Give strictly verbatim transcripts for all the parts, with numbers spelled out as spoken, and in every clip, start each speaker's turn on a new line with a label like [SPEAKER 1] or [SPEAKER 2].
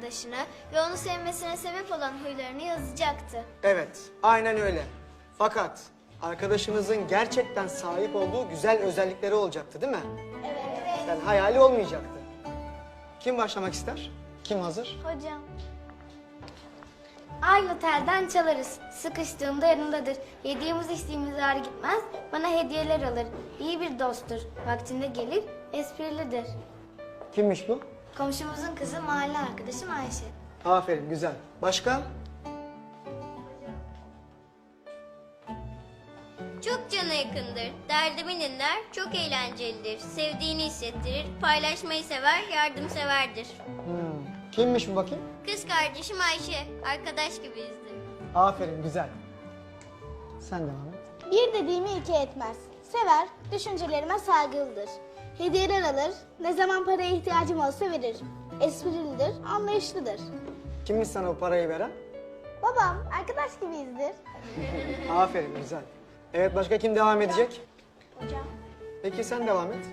[SPEAKER 1] arkadaşını ve onu sevmesine sebep olan huylarını yazacaktı.
[SPEAKER 2] Evet, aynen öyle. Fakat arkadaşınızın gerçekten sahip olduğu güzel özellikleri olacaktı, değil mi?
[SPEAKER 1] Evet.
[SPEAKER 2] Yani hayali olmayacaktı. Kim başlamak ister? Kim hazır?
[SPEAKER 1] Hocam. Aynı telden çalarız. Sıkıştığımda yanımdadır. Yediğimiz içtiğimiz ağır gitmez. Bana hediyeler alır. İyi bir dosttur. Vaktinde gelir, esprilidir.
[SPEAKER 2] Kimmiş bu?
[SPEAKER 1] Komşumuzun kızı mahalle arkadaşım Ayşe.
[SPEAKER 2] Aferin, güzel. Başka?
[SPEAKER 3] Çok cana yakındır, derdimi dinler, çok eğlencelidir, sevdiğini hissettirir, paylaşmayı sever, yardımseverdir.
[SPEAKER 2] Hmm. Kimmiş bu bakayım?
[SPEAKER 3] Kız kardeşim Ayşe, arkadaş gibiyizdir.
[SPEAKER 2] Aferin, güzel. Sen devam et.
[SPEAKER 4] Bir dediğimi iki etmez. Sever, düşüncelerime saygılıdır. Hediyeler alır, ne zaman paraya ihtiyacım olsa verir. Esprilidir, anlayışlıdır.
[SPEAKER 2] Kimmiş sana bu parayı veren?
[SPEAKER 4] Babam, arkadaş gibiyizdir.
[SPEAKER 2] Aferin, güzel. Evet, başka kim devam edecek?
[SPEAKER 4] Hocam.
[SPEAKER 2] Peki sen devam et.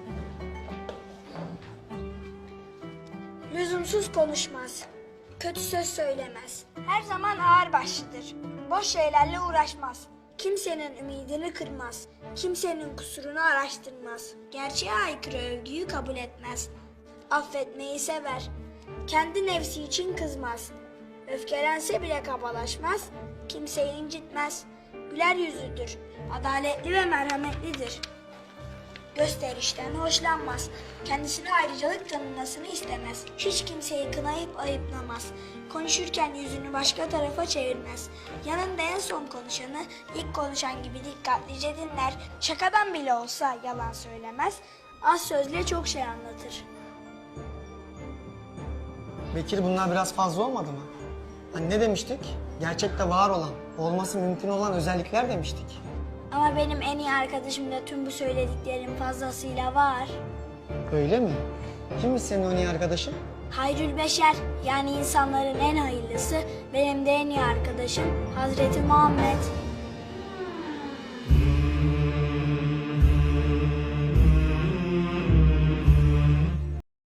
[SPEAKER 5] Lüzumsuz konuşmaz. Kötü söz söylemez. Her zaman ağırbaşlıdır. Boş şeylerle uğraşmaz. Kimsenin ümidini kırmaz. Kimsenin kusurunu araştırmaz. Gerçeğe aykırı övgüyü kabul etmez. Affetmeyi sever. Kendi nefsi için kızmaz. Öfkelense bile kabalaşmaz. Kimseyi incitmez. Güler yüzlüdür. Adaletli ve merhametlidir. Gösterişten hoşlanmaz. Kendisine ayrıcalık tanınmasını istemez. Hiç kimseyi kınayıp ayıplamaz. Konuşurken yüzünü başka tarafa çevirmez. Yanında en son konuşanı ilk konuşan gibi dikkatlice dinler. Şakadan bile olsa yalan söylemez. Az sözle çok şey anlatır.
[SPEAKER 2] Bekir, bunlar biraz fazla olmadı mı? Hani ne demiştik? Gerçekte var olan, olması mümkün olan özellikler demiştik.
[SPEAKER 5] Ama benim en iyi arkadaşımda tüm bu söylediklerim fazlasıyla var.
[SPEAKER 2] Öyle mi? Kimmiş senin o iyi arkadaşın?
[SPEAKER 5] Hayrül Beşer, yani insanların en hayırlısı, benim de en iyi arkadaşım Hazreti Muhammed.